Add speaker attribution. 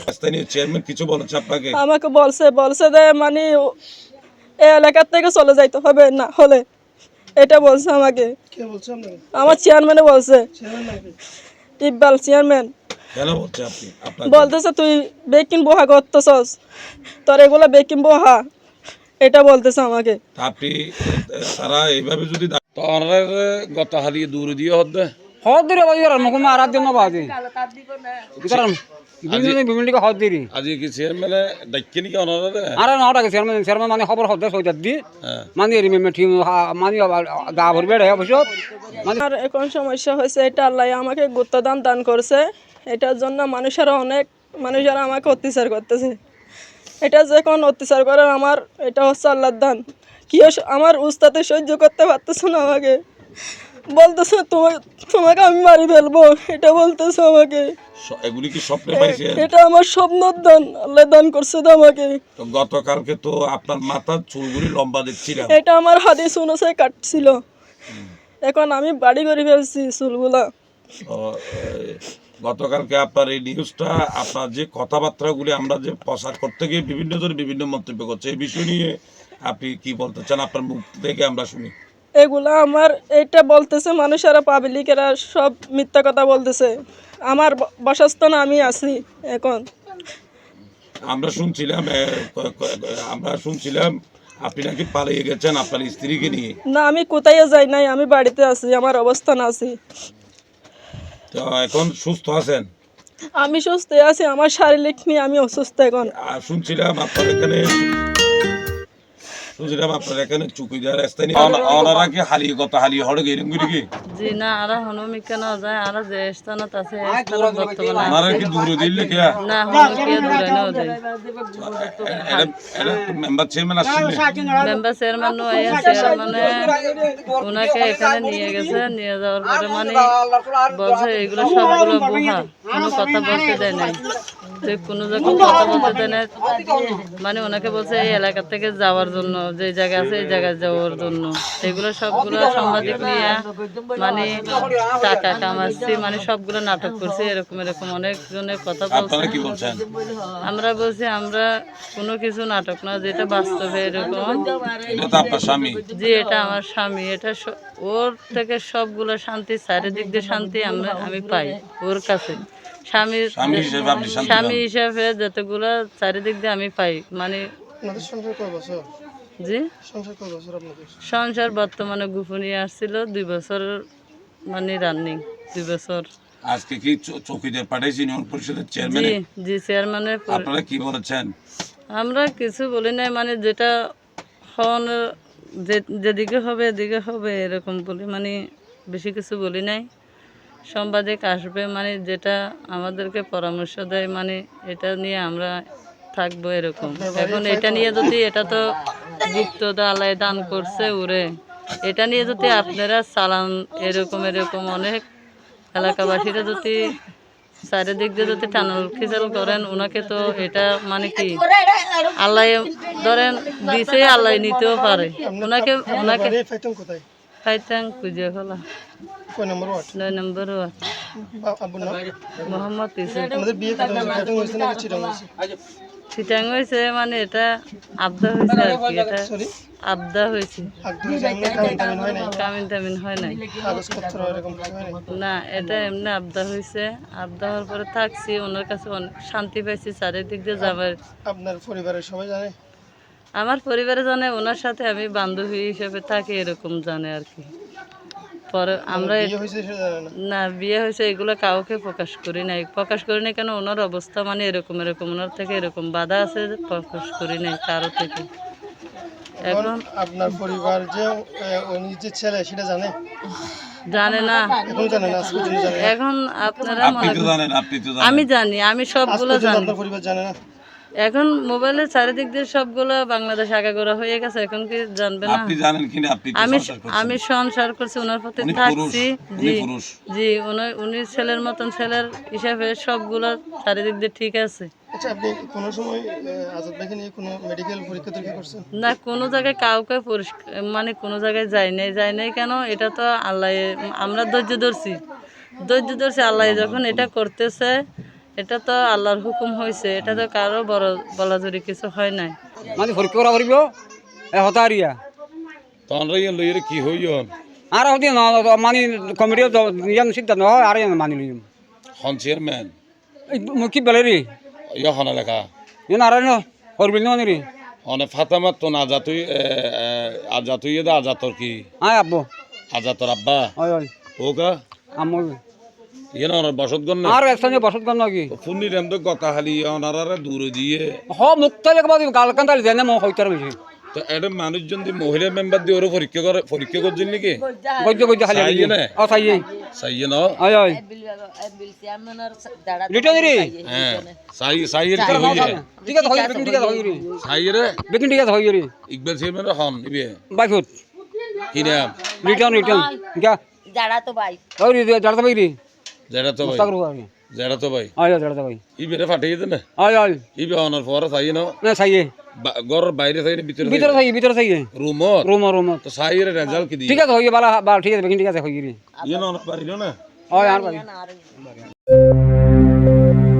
Speaker 1: স্থানীয় চেয়ারম্যান কিছু বলেছে আপনাকে?
Speaker 2: আমাকে বলছে যে মানে এই এলাকার থেকে চলে যাইতে হবে না হলে, এটা বলছে আমাকে।
Speaker 3: কে বলছে আপনাকে?
Speaker 2: আমার চেয়ারম্যানে বলছে,
Speaker 3: চেয়ারম্যান নাকি?
Speaker 2: ইকবাল চেয়ারম্যান।
Speaker 1: কেন বলছে আপনি আপনাকে?
Speaker 2: বলতেছে তুই বেকিং বহা করতেছস, তোর এগুলো বেকিং বহা, এটা বলতেছে আমাকে।
Speaker 1: তা আপনি তারা এইভাবে যদি তো ওনারা গত হারিয়ে দূরে দিয়ে হচ্ছে
Speaker 4: হদ্দিরে বাজির মুখ মারার জন্য বাজি কারণ বিভিন্ন হদ্দিরি
Speaker 1: আজকে কি চেয়ারম্যানে ডাক্কে নাকি ওনারা?
Speaker 4: আর নটাকে চেয়ারম্যান মানে খবর হদ্দে সইদার দি মানে রিমেম্বার টিম মানে গা ভরবে রে অবশ্য মানে
Speaker 2: আর এখন সমস্যা হয়েছে এটা আল্লাহ আমাকে গুপ্তদান দান করছে, এটার জন্য মানুষেরা আমাকে অত্যাচার করতেছে। এটা যখন অত্যাচার করে আমার, এটা হচ্ছে আল্লাহর দান। আমার উস্তাদে সহ্য করতে পারতেছে না, আমাকে বলতেছে তোমাকে আমি মারি ফেলবো, এটা বলতেছে আমাকে।
Speaker 1: এগুলি কি স্বপ্নে পাইছেন?
Speaker 2: এটা আমার স্বপ্নর দান, আল্লাহ দান করছে তো আমাকে।
Speaker 1: তো গতকালকে তো আপনার মাথার চুলগুলি লম্বা দেখছিলাম।
Speaker 2: এটা আমার হাদিস অনুযায়ী কাটছিল, এখন আমি বাড়ি করে ফেলছি চুলগুলা।
Speaker 1: তো, গতকালকে আপনার এই নিউজটা, আপনার যে কথাবার্তাগুলি আমরা যে প্রচার করতে গিয়ে বিভিন্ন জন বিভিন্ন মন্তব্য করছে, এই বিষয় নিয়ে আপনি কি বলতে চান? আপনার মুখ থেকে আমরা শুনি।
Speaker 2: এগুলা আমার এটা বলতেছে মানুষেরা, পাবলিকেরা সব মিথ্যা কথা বলতেছে। আমার বাসস্থানে আমি আছি এখন।
Speaker 1: আমরা শুনছিলাম আপনি নাকি পালিয়ে গেছেন আপনার স্ত্রীকে নিয়ে।
Speaker 2: না, আমি কোথায় যাই নাই, আমি বাড়িতে আছি, আমার অবস্থান আছি।
Speaker 1: তো এখন সুস্থ আছেন?
Speaker 2: আমি সুস্থ আছি, আমার শারীরিক নিয়ে আমি অসুস্থ এখন।
Speaker 1: আর শুনছিলাম আপনার এখানে চুকিদার স্থানীয় ওনারা কি হারিয়ে হড়ে গেলেন কি?
Speaker 5: জি না, আরা হনুমিকা না যায়, আরা যে স্থানত আছে এই স্থানত বর্তমানে
Speaker 1: ওনারা কি দূরে দিলে কে?
Speaker 5: না হনুমিকা দূরে না যায়।
Speaker 1: এটা মেম্বার চেয়ারম্যান আসছিলেন?
Speaker 5: মেম্বার চেয়ারম্যান নয়, চেয়ারম্যানে ওনাকে এখানে নিয়ে গেছে, নিয়ে যাওয়ার পরে মানে বলছে এগুলো সবগুলো বোহা, কোনো কথা বলতে দেয় নাই, তো কোনো জায়গায় কথা বলতে দেয় না, মানে ওনাকে বলছে এই এলাকা থেকে যাওয়ার জন্য, যে জায়গা আছে এই জায়গায় যাওয়ার জন্য। এগুলো সবগুলো সাংবাদিক নিয়ে মানে টাকা কামাচ্ছি, মানে সবগুলো নাটক করছি, এরকম অনেক জনের কথা বলছে। আমরা বলছি আমরা কোনো কিছু নাটক না, যেটা বাস্তবে এরকম। জি এটা আমার স্বামী, এটা ওর থেকে সবগুলো শান্তি, চারিদিক দিয়ে শান্তি আমি পাই ওর কাছে। স্বামী হিসাবে যতগুলো চারিদিক দিয়ে আমি পাই, মানে জি সংসার বর্তমানে গোপনীয় আসছিল 2 বছর, মানে রানিং 2 বছর।
Speaker 1: আজকে কি চৌকিদার পাঠাইছি ইউনিয়ন পরিষদের চেয়ারম্যান?
Speaker 5: জি চেয়ারম্যানে।
Speaker 1: আপনারা কি বলেছেন?
Speaker 5: আমরা কিছু বলি নাই, মানে যেটা যেদিকে হবে এদিকে হবে এরকম বলি, মানে বেশি কিছু বলি নাই। সাংবাদিক আসবে, মানে যেটা আমাদেরকে পরামর্শ দেয়, মানে এটা নিয়ে আমরা থাকবো এরকম। এখন এটা নিয়ে যদি, এটা তো গুপ্ত আল্লাহ দান করছে ওরে, এটা নিয়ে যদি আপনারা চালান এরকম অনেক এলাকাবাসীরা যদি চারিদিক দিয়ে যদি টানাল খিচাল করেন ওনাকে, তো এটা মানে কি আল্লাহ ধরেন দিছে, আল্লাহ নিতেও পারে ওনাকে। ফাইতাং কুজিয়া খোলা 9 নম্বর ওয়ার্ড, মোহাম্মদ চিটাং হয়েছে, মানে এটা আবদা হয়েছে আর কি, এটা আবদা হয়েছে, কামিন টামিন হয় নাই না, এটা এমনি আবদা হয়েছে। আবদা হওয়ার পরে থাকছি, ওনার কাছে অনেক শান্তি পাইছি, চারিদিক দিয়ে যাবার।
Speaker 3: আপনার পরিবারের সবাই জানে?
Speaker 5: আমার পরিবারে জানে, ওনার সাথে আমি বান্ধবী হিসেবে থাকি এরকম জানে আর কি। পরে আমরা না বিয়ে হয়েছে এগুলো কাউকে প্রকাশ করি নাই কেন, ওনার অবস্থা মানে এরকম ওনার থেকে এরকম বাধা আছে, প্রকাশ করি নাই কারো থেকে। এখন
Speaker 3: আপনার পরিবার যে উনি যে ছেলে সেটা জানে?
Speaker 5: জানে না এখন। আপনারা আমি জানি, আমি সবগুলো জানি। এখন মোবাইলের চারিদিক দিয়ে সবগুলো বাংলাদেশ আগাগোড়া হয়ে গেছে, এখন কি জানবে না? আমি সংসার করছি, ওনার প্রতি থাকছি। জি উনি ছেলের মতন, ছেলের হিসাবে সবগুলো চারিদিক দিয়ে ঠিক আছে।
Speaker 3: আচ্ছা, আপনি কোনো সময় আজাদ ভাইকে নিয়ে কোনো মেডিকেল পরীক্ষা করছেন?
Speaker 5: না, কোনো জায়গায় কাউকে মানে কোনো জায়গায় যাই নাই কেন, এটা তো আল্লাহ, আমরা ধৈর্য ধরছি আল্লাহ যখন এটা করতেছে, এটা তো আল্লাহর হুকুম হয়েছে, এটা তো কারো বড় বলা জুড়ি কিছু হয় নাই।
Speaker 4: মানে পরীক্ষা করা পারিব হতারিয়া
Speaker 1: তখন লইরে কি হইয়ন
Speaker 4: আর হতে না মানে কমিটি ইয়ান সিদ্ধান্ত হয় আর ইয়ান মানি লিম
Speaker 1: হন চেয়ারম্যান
Speaker 4: কি বলে রে
Speaker 1: ইয়া হন এলাকা
Speaker 4: ইয়ান আর না করবিল না রে
Speaker 1: অনে ফাতামাত তো না আজাতুই আজাতুই দা আজাতর কি
Speaker 4: আয় আব্বু
Speaker 1: আজাতর আব্বা
Speaker 4: ওই ওই
Speaker 1: ওকা
Speaker 4: আম্মু
Speaker 1: ইয়ে না ওনার বসত গণ না
Speaker 4: আর একসাথে বসত গণ নাকি
Speaker 1: ফুন্নি রেম তো গতা হালি ওনারা দূরে দিয়ে
Speaker 4: হ মুক্তাল একবার গাল কান্দাল দেন মো হইতার বেশি
Speaker 1: তো এটা মানুষজন দি মহিলা মেম্বার দিয়ে ওরা পরীক্ষা করছেন নাকি
Speaker 4: গজ্জ গজ্জ খালি
Speaker 1: চাইয়ে না
Speaker 4: ও চাইয়ে
Speaker 1: চাইয়ে ন
Speaker 4: ওই ওই রিটার্ন রে
Speaker 1: হ্যাঁ চাইয়ের কি হইয়ে
Speaker 4: ঠিক আছে হই বেকিন ঠিক আছে হই রে
Speaker 1: চাইয়ে
Speaker 4: বেকিন ঠিক আছে হই রে
Speaker 1: ইকবাল চেয়ারম্যান হন ইবে
Speaker 4: বাইফুট
Speaker 1: কি নাম
Speaker 4: রিটার্ন গা
Speaker 6: যারা তো ভাই
Speaker 4: ওই রে জাড়া ভাই রে
Speaker 1: জেডা তো ভাই
Speaker 4: মুস্তাক রু আগে
Speaker 1: জেডা তো ভাই
Speaker 4: আয় জাড়া ভাই
Speaker 1: ইবে ফাটিয়ে দেন না
Speaker 4: আয় আয়
Speaker 1: ইবে অনার পরে চাইয়ে ন
Speaker 4: না চাইয়ে
Speaker 1: ঘরের বাইরে চাইয়ে
Speaker 4: ভিতরে চাইয়ে
Speaker 1: রুমত
Speaker 4: রুম
Speaker 1: তো চাইয়ে রেজাল্ট কি দিয়ে
Speaker 4: ঠিক আছে হই বালা বাল ঠিক আছে বেকিন ঠিক আছে হই রে
Speaker 1: ইয়ে না পারিল না
Speaker 4: ওই আর পারি